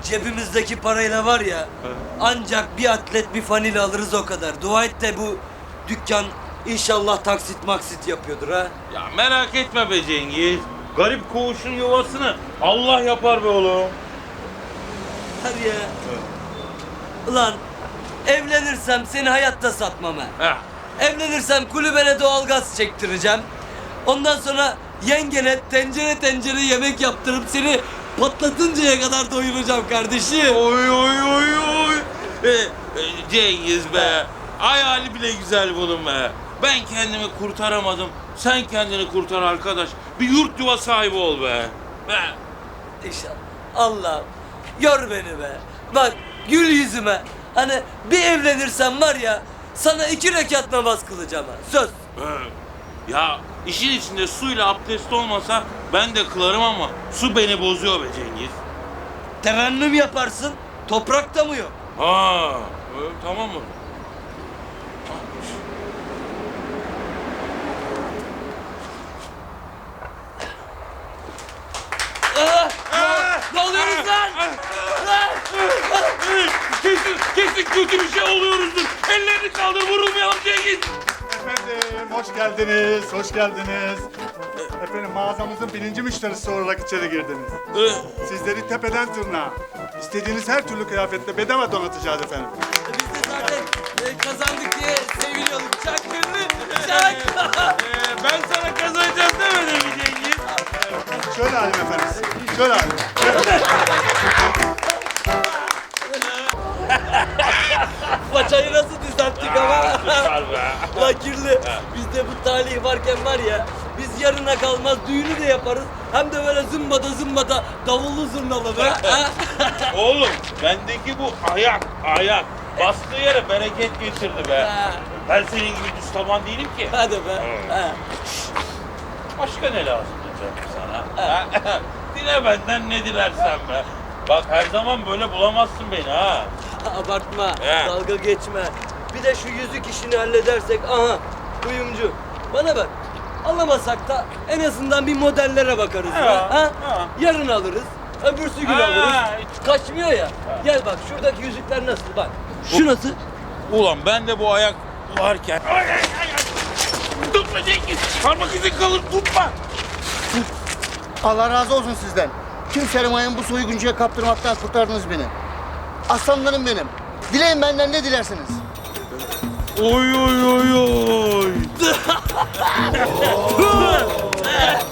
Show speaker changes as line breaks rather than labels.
cebimizdeki parayla var ya, ancak bir atlet bir fanile alırız o kadar. Dua et de bu dükkan inşallah taksit maksit yapıyordur ha.
Ya merak etme be Cengiz. Garip koğuşun yuvasını Allah yapar be oğlum.
Hadi ya. Ulan evlenirsem seni hayatta satmam ha.
Heh.
Evlenirsem kulübene doğalgaz çektireceğim. Ondan sonra yengene tencere tencere yemek yaptırıp seni patlatıncaya kadar doyuracağım kardeşim.
Oy oy oy oy. Cengiz be. Hayali bile güzel bunun be. Ben kendimi kurtaramadım. Sen kendini kurtar arkadaş. Bir yurt yuva sahibi ol be. Be.
İnşallah. Allah'ım gör beni be. Bak gül yüzüme. Hani bir evlenirsem var ya sana 2 rekat namaz kılacağım ha. Söz.
Ya işin içinde suyla abdest olmasa ben de kılarım ama su beni bozuyor be Cengiz.
Terennüm yaparsın. Toprakta mı yok?
Ha, tamam mı?
Ne oluyoruz lan? Lan!
Kesin kötü bir şey oluyoruzdur. Ellerini kaldır, vurulmayalım Cengiz.
Efendim, hoş geldiniz, hoş geldiniz. Efendim, mağazamızın birinci müşterisi olarak içeri girdiniz. Sizleri tepeden tırnağa, istediğiniz her türlü kıyafetle bedava donatacağız efendim.
Biz de zaten kazandık diye seviniyorduk. Çak gönlü, çak!
Ben sana kazanacağız demedim mi Cengiz?
Şöyle alayım efendim, şöyle alayım.
Paçayı nasıl düzelttik ama?
Süper be.
Ulan kirli, bizde bu talih varken var ya, biz yarına kalmaz düğünü de yaparız. Hem de böyle zımbada davullu zurnalı be. ha?
Oğlum, bendeki bu ayak. Bastığı yere bereket getirdi be.
Ha.
Ben senin gibi düz taban değilim ki.
Hadi be. Ha.
Başka ne lazım canım sana? Ha? Dile benden ne dilersen be. Bak her zaman böyle bulamazsın beni ha.
Abartma,
He.
dalga geçme. Bir de şu yüzük işini halledersek, aha, kuyumcu. Bana bak, alamasak da en azından bir modellere bakarız
Ha,
be. Ha?
ha.
Yarın alırız, öbürsü gün
Ha,
alırız. Kaçmıyor ya. Gel bak, şuradaki yüzükler nasıl bak. Şu nasıl?
Ulan ben de bu ayak varken... Ay. Tutma Cengiz! Parmak izin kalır, tutma!
Allah razı olsun sizden. Tüm sermayenin bu soyguncuya kaptırmaktan kurtardınız beni. Aslanlarım benim. Dileyin benden ne dilersiniz.
Oy oy oy oy!